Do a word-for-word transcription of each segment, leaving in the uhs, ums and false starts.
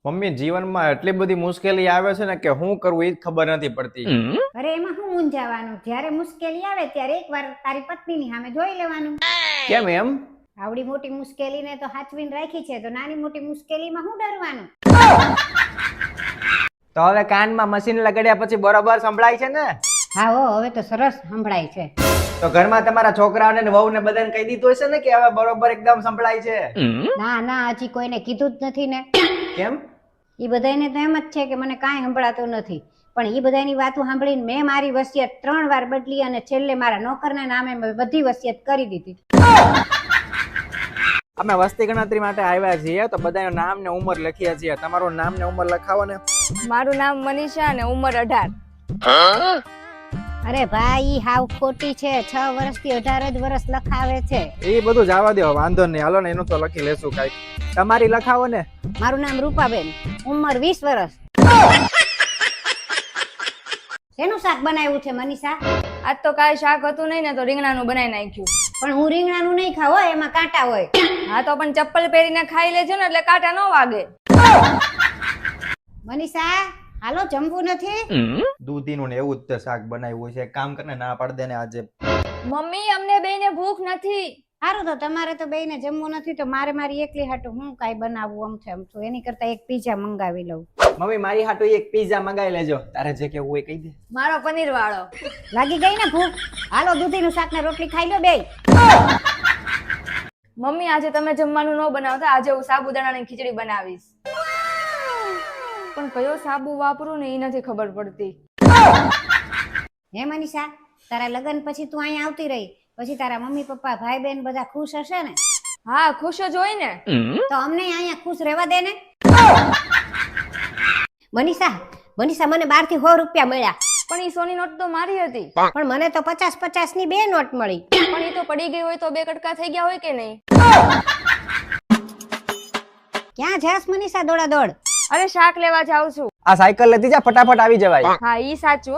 Mummy જીવનમાં એટલી બધી મુશ્કેલી આવે છે ને કે હું કરવું એ જ ખબર નથી પડતી. અરે એમાં શું મૂંઝાવાનું? જ્યારે મુશ્કેલી આવે ત્યારે એકવાર તારી પત્નીની સામે જોઈ લેવાનું. કેમ એમ? આવડી મોટી મુશ્કેલીને તો હાચવીને રાખી છે, તો નાની મોટી મુશ્કેલીમાં શું ડરવાનું? તો હવે કાનમાં મશીન લગાડ્યા પછી બરોબર સંભળાય છે ને? હા હો, હવે તો સરસ સંભળાય છે. તો ઘરમાં તમારા છોકરાઓને ને વહુને બધાને કહી દીધું હશે ને કે હવે બરોબર એકદમ સંભળાય છે? ના ના, હજી કોઈને કીધું જ નથી ને. કેમ? ઈ બધાને તો એમ જ છે કે મને કાંઈ સંભળાતું નથી, પણ ઈ બધાની વાતો સાંભળીને મેં મારી વસિયત ત્રણ વાર બદલી અને છેલ્લે મારા નોકરના નામે મેં બધી વસિયત કરી દીધી. અમે વસ્તી ગણતરી માટે આવ્યા છીએ, તો બધાનું નામ ને ઉંમર લખીએ છીએ. તમારું નામ ને ઉંમર લખાવો ને. મારું નામ મનીષા અને ઉંમર અઢાર. અરે ભાઈ, હાવ ખોટી છે. છ વર્ષથી અઢાર જ વર્ષ લખાવે છે. એ બધું જવા દો, વાંધો નહીં. હાલો ને, એનું તો લખી લેશું કાંઈક. તમારી લખાવો ને. મારું નામ રૂપાબેન, ઉંમર વીસ વર્ષ. શેનું શાક બનાવ્યું છે મનીષા? આજ તો કાંઈ શાક હતું નહીં ને, તો રીંગણાનું બનાવી નાખ્યું. પણ હું રીંગણાનું નહીં ખાવ હો, એમાં કાંટા હોય. હા તો પણ ચપ્પલ પહેરીને ખાઈ લેજો ને, એટલે કાંટા ન વાગે. મનીષા, હાલો જમવું નથી? દૂધીનું ને એવું જ તે શાક બનાવ્યું છે. એક કામ કરીને ના પાડ દે ને આજે. મમ્મી, અમને બેયને ભૂખ નથી. સારું, તો તમારે તો બેયને જમવું નથી, તો મારે મારી એકલી હાટું હું કાંઈ બનાવું આમ છે આમ છું. એની કરતા એક પીઝા મંગાવી લઉં. મમ્મી મારી હાટુ એક પીઝા મંગાવી લેજો. તારે જે કેવું હોય કહી દે. મારો પનીર વાળો. લાગી ગઈ ને ભૂખ? હાલો દૂધીનું શાક ને રોટલી ખાઈ લો બેય. મમ્મી, આજે તમે જમવાનું ન બનાવતા, આજે હું સાબુદાણાની ખીચડી બનાવીશ. પણ કયો સાબુ વાપરું ને એ નથી ખબર પડતી. હે મનીષા, તારા લગ્ન પછી તું અહીંયા આવતી રહી, પછી તારા મમ્મી પપ્પા ભાઈ બહેન બધા ખુશ હશે ને? હા, ખુશ જ હોય ને. તો અમને અહીંયા ખુશ રહેવા દે ને. મનીષા, મનીષા મને બાર થી સો રૂપિયા મળ્યા. પણ ઈ સોની નોટ તો મારી હતી. પણ મને તો પચાસ પચાસ ની બે નોટ મળી. પણ એ તો પડી ગઈ હોય તો બે કટકા થઈ ગયા હોય કે નહીં? ક્યાં જાસ મનીષા દોડા દોડ? અરે શાક લેવા જાઉં છું. આ સાયકલ લેતી જા, ફટાફટ આવી જવાય. હા, ઈ સાચું.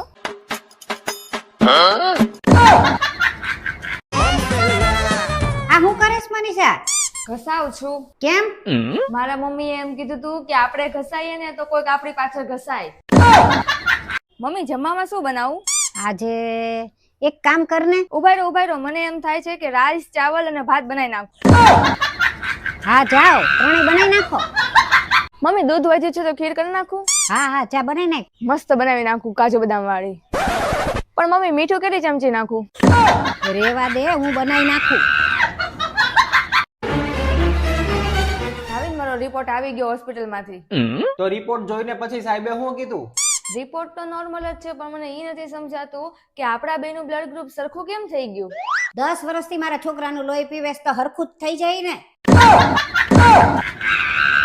આ હું કરેશ મનીષા? ઘસાવ છું. કેમ? મારા મમ્મીએ એમ કીધું તું કે આપણે ઘસાઈએ ને તો કોઈક આપણી પાછળ ઘસાય. મમ્મી, જમવામાં શું બનાવું? આજે એક કામ કર ને. ઉભાઈ રહો ઉભાઈ રહો, મને એમ થાય છે કે રાઈસ, ચાવલ અને ભાત બનાવી નાખું. હા જાઓ, ત્રણેય બનાવી નાખો. મમ્મી, દૂધ વધ્યું છે તો ખીર કરી નાખું? હા હા, ચા બનાવી નાખ. મસ્ત બનાવી નાખું, કાજુ બદામ વાળી. પણ મમ્મી, મીઠું કેટલી ચમચી નાખું? રેવા દે, હું બનાવી નાખું. ભાવિન, મારો રિપોર્ટ આવી ગયો હોસ્પિટલ માંથી. તો રિપોર્ટ જોઈને પછી સાહેબે શું કીધું? રિપોર્ટ તો નોર્મલ જ છે, પણ મને એ નથી સમજાતું કે આપણા બેનું બ્લડ ગ્રુપ સરખું કેમ થઈ ગયું. દસ વર્ષથી મારા છોકરાનું લોહી પીવેશ તો હરખું જ થઈ જાય ને.